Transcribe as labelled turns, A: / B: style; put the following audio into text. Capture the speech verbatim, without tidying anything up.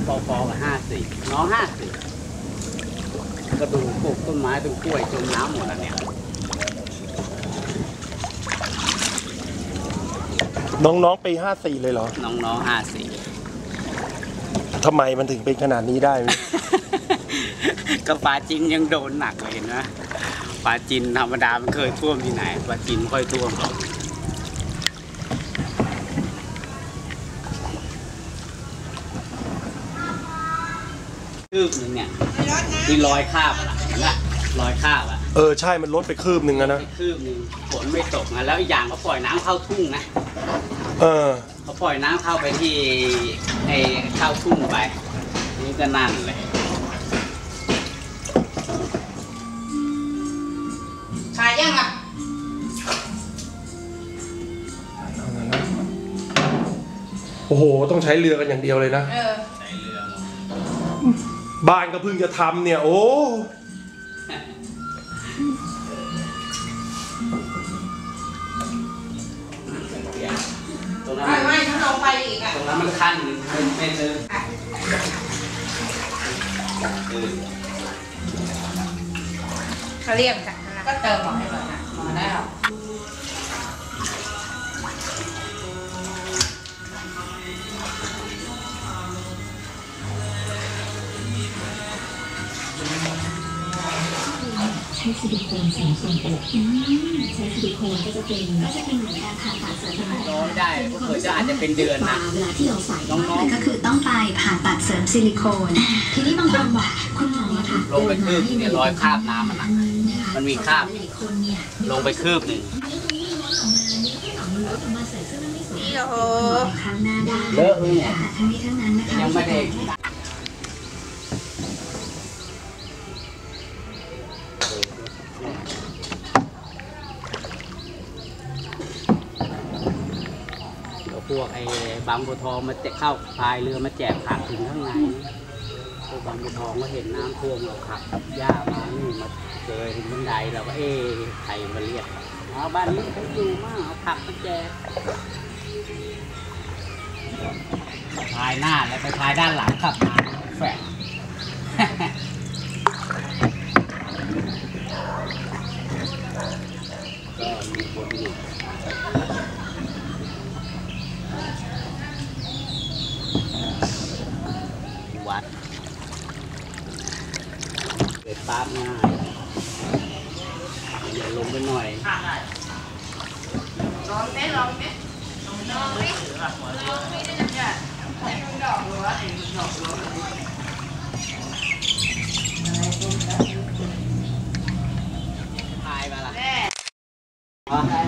A: ปอปอกับห้าสี่น้องห้าสี่ก็ดูปลูกต้นไม้ต้นกล้วยจมน้ำหมดแล้วเนี่ย
B: น้องๆปีห้าสี่เลยเหรอ
A: น้องๆห้าสี่
B: ทำไมมันถึงเป็นขนาดนี้ได้
A: ก็ปลาจินยังโดนหนักเลยนะปลาจินธรรมดามันเคยท่วมที่ไหนปลาจินไม่ค่อยท่วมหรอกคืบนึงเนี่ยที่ลอยคาบอะนะลอยคาบอะ
B: เออใช่มันลดไปคืบหนึ่งนะ
A: คืบนึงฝนไม่ตกนะแล้วอีกอย่างเขาปล่อยน้ำเข้าทุ่งนะ
B: เออ
A: เขาปล่อยน้ำเข้าไปที่ไอ้เข้าทุ่งไปนี่ก็นั่นเลย
C: ขายยังอ่ะ
B: โอ้โหต้องใช้เรือกันอย่างเดียวเลยนะ
C: เออ
A: ใช้เรือ
B: บ้านก็เพิ่งจะทำเนี่ยโอ้
C: ไม่ไม่ถ้าเราไปอีกอ่ะ
A: ตรงนั้นมันขั้นเป็นเป็นเลย
C: เขาเรียกกันก็เติมหมอให้หมดนะหมอได้หรอ
D: ใช้ซิลิโคนใส่ทรงอกใช้ซิลิโคนก็จะเป็นก็จะเป็นเหมือนการผ่าตัดเสริมสร้าง
A: น้องได้ก็เคยจะอาจจะเป็นเดือนนะ
D: เวลาที่เราใส่น้องๆก็คือต้องไปผ่าตัดเสริมซิลิโคนทีนี้บางคนบอกคุณหมอค่ะ
A: ลงไปคืบเนี่ยรอยคราบน้ำมันนะมันมีคราบลงไปคืบหนึ่ง
C: นี่โอ้โห
D: ครั้งหน้าได้
A: เลอะเลยเนี่ย
D: ทั้งนี้ทั้งนั้นนะคะ
A: ยังไม่ได้พวกไอ้บางบัวทองมาจะเข้าพายเรือมาแจกผักถึงข้างในพวกบางบัวทองก็เห็นน้ำท่วมเราขับหญ้ามานี่มาเจอถึงบันไดเราก็เอ๊ะใครมาเรียกเอาบ้านนี้เขาอยู่มากเอาผักมาแจกพายหน้าแล้วไปพายด้านหลังขับมาแฝงก็มีคนอยู่วัดเกิดปั๊บง่ายเดี๋ยวลงไปหน่อย
C: ลองไหมลองไหมลองไหมลองไหมได้ยังไงให้มันดอกหรือว่าให้มันดอกหรือ
A: พายมาละ
C: แม่